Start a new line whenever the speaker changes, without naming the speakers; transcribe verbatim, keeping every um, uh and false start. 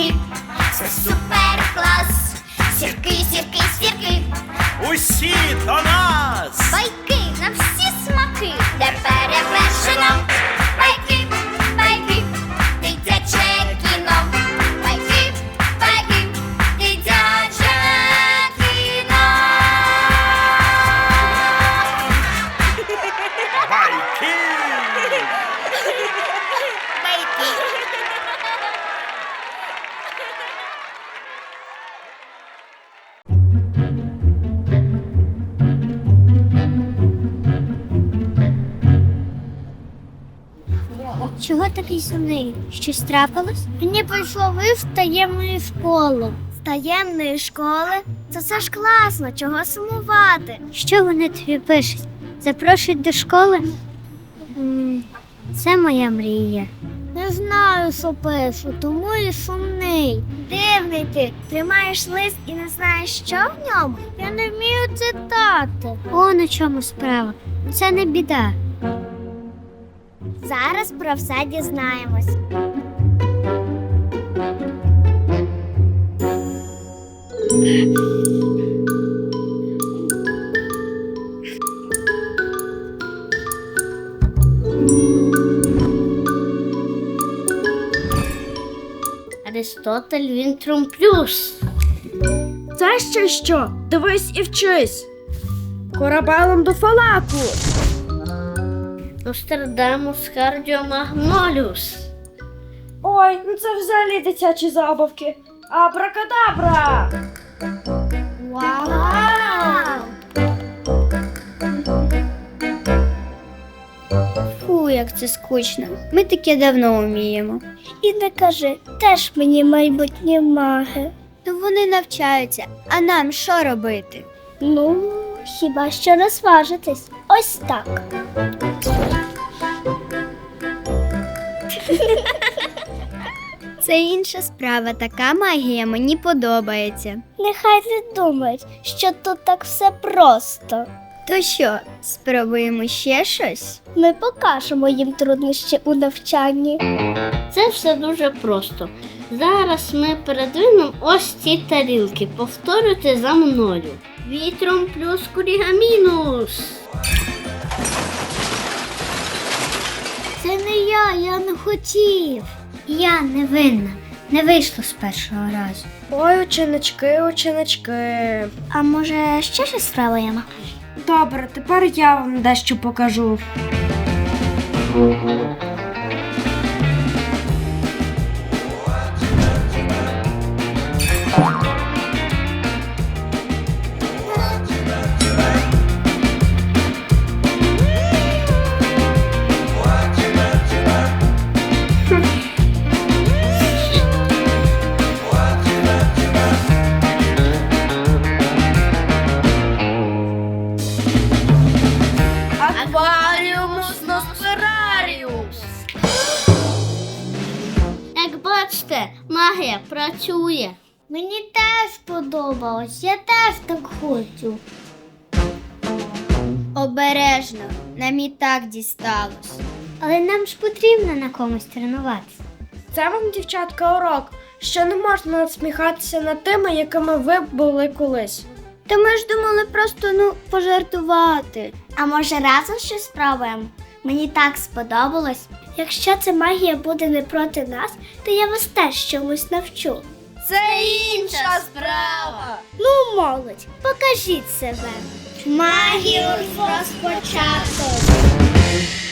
сірки, це супер клас. Сірки, сірки, сірки,
Усі до нас!
байки на всі смаки, де перевершено. Байки, байки, дитяче кіно. Байки, байки, дитяче кіно.
Байки!
Чого такий сумний? Щось трапилось? Мені прийшов лист з таємної школи. З таємної школи? Це все ж класно, чого сумувати? Що вони тобі пишуть? Запрошують до школи? М, Це моя мрія. Не знаю, що пишу, тому і сумний. Дивний ти, тримаєш лист і не знаєш, що в ньому? Я не вмію читати. О, на чому справа. Це не біда. Зараз про все дізнаємось. Аристотель Вінтрум Плюс.
Це ще що? Дивись і вчись. Корабелем до Фалаку.
Нострадамус Кардіомагноліус.
Ой, ну це взагалі дитячі забавки. Абракадабра!
Вау! Фу, як це скучно. Ми таке давно вміємо. І не кажи, теж мені майбутні маги. То вони навчаються, а нам що робити? Ну, хіба що розважитись. Ось так. Це інша справа, така магія мені подобається. Нехай не думають, що тут так все просто. То що, спробуємо ще щось? Ми покажемо їм труднощі у навчанні. Це все дуже просто. Зараз ми передвинемо ось ці тарілки. Повторюйте за мною. Вітром плюс курігамінус. Це не я, я не хотів. Я не винна. Не вийшло з першого разу.
Ой, ученички, ученички.
А може ще щось спробуємо?
Добре, тепер я вам дещо покажу.
Акваріумус Носфераріус. Як бачите, магія працює. Мені теж подобалось, я теж так хочу. Обережно, нам і так дісталось. Але нам ж потрібно на комусь тренуватися.
Це вам, дівчатка, урок, що не можна насміхатися над тими, якими ви були колись.
Та ми ж думали просто, ну, пожартувати. А може разом щось спробуємо? Мені так сподобалось. Якщо ця магія буде не проти нас, то я вас теж чомусь навчу.
Це інша справа.
Ну, молодь, покажіть себе. Магію розпочато.